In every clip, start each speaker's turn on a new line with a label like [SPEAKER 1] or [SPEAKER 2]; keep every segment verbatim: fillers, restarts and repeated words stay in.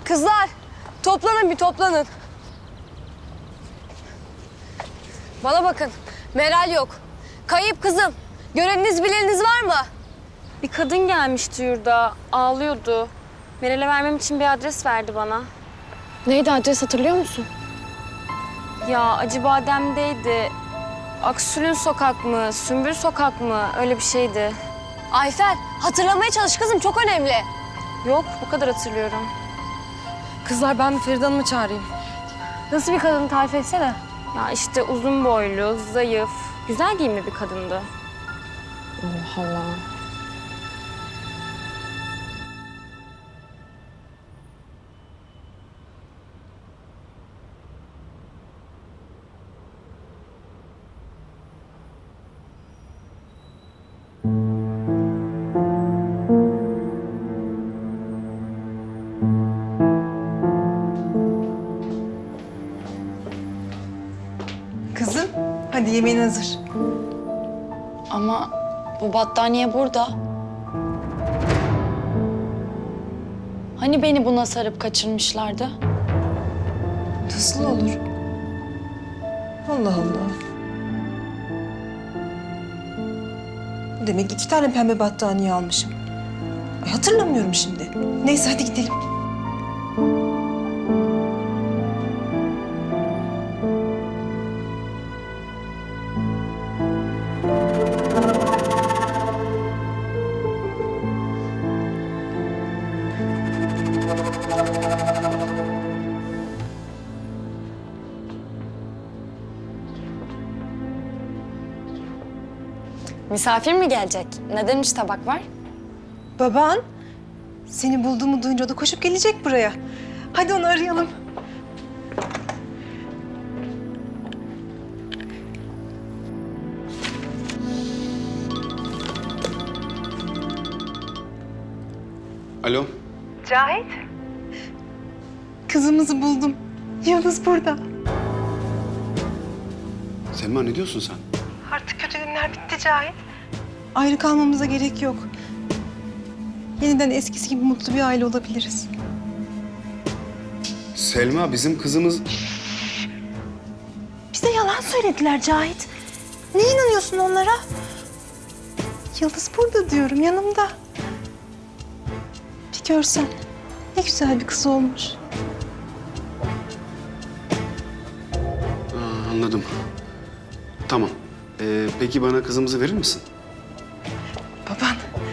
[SPEAKER 1] Kızlar, toplanın bir toplanın. Bana bakın, Meral yok. Kayıp kızım. Göreniniz bileniniz var mı?
[SPEAKER 2] Bir kadın gelmişti yurda, ağlıyordu. Meral'e vermem için bir adres verdi bana.
[SPEAKER 1] Neydi adres, hatırlıyor musun?
[SPEAKER 2] Ya Acıbadem'deydi. Aksül'ün sokak mı, Sümbül sokak mı? Öyle bir şeydi.
[SPEAKER 1] Ayfer, hatırlamaya çalış kızım, çok önemli.
[SPEAKER 2] Yok, bu kadar hatırlıyorum.
[SPEAKER 3] Kızlar ben bir Feride Hanım'ı çağırayım.
[SPEAKER 1] Nasıl bir kadın, tarif etsene.
[SPEAKER 2] Ya işte uzun boylu, zayıf, güzel giyimli bir kadındı.
[SPEAKER 3] Allah Allah.
[SPEAKER 4] Kızım, hadi yemeğin hazır.
[SPEAKER 5] Ama bu battaniye burada. Hani beni buna sarıp kaçırmışlardı?
[SPEAKER 4] Nasıl olur? Allah Allah. Demek iki tane pembe battaniye almışım. Ay, hatırlamıyorum şimdi. Neyse hadi gidelim.
[SPEAKER 5] Misafir mi gelecek? Ne demiş tabak var?
[SPEAKER 4] Baban seni bulduğumu duyunca o da koşup gelecek buraya. Hadi onu arayalım.
[SPEAKER 6] Alo.
[SPEAKER 4] Kızımızı buldum. Yıldız burada.
[SPEAKER 6] Selma ne diyorsun sen?
[SPEAKER 4] Artık kötü günler bitti Cahit. Ayrı kalmamıza gerek yok. Yeniden eskisi gibi mutlu bir aile olabiliriz.
[SPEAKER 6] Selma bizim kızımız...
[SPEAKER 4] Bize yalan söylediler Cahit. Ne inanıyorsun onlara? Yıldız burada diyorum, yanımda. Bir görsen ne güzel bir kız olmuş.
[SPEAKER 6] Aa, anladım. Tamam. Ee, peki bana kızımızı verir misin?
[SPEAKER 4] Baban.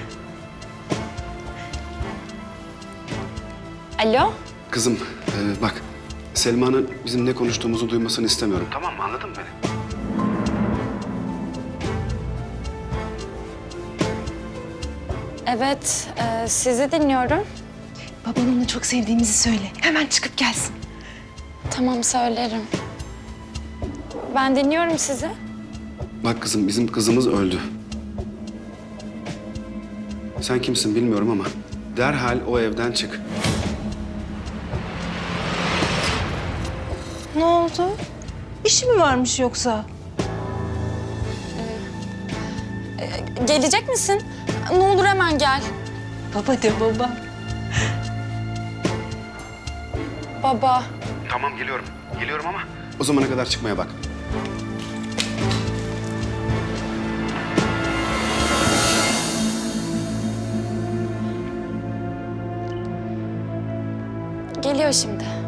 [SPEAKER 5] Alo?
[SPEAKER 6] Kızım ee, bak Selma'nın bizim ne konuştuğumuzu duymasını istemiyorum. Tamam mı? Anladın mı beni?
[SPEAKER 5] Evet, e, sizi dinliyorum.
[SPEAKER 4] Baban onu çok sevdiğimizi söyle. Hemen çıkıp gelsin.
[SPEAKER 5] Tamam, söylerim. Ben dinliyorum sizi.
[SPEAKER 6] Bak kızım bizim kızımız öldü. Sen kimsin bilmiyorum ama derhal o evden çık.
[SPEAKER 4] Ne oldu? İşi mi varmış yoksa?
[SPEAKER 5] Gelecek misin? Ne olur hemen gel.
[SPEAKER 4] Baba de baba.
[SPEAKER 5] Baba.
[SPEAKER 6] Tamam geliyorum. Geliyorum ama o zamana kadar çıkmaya bak.
[SPEAKER 5] Geliyor şimdi.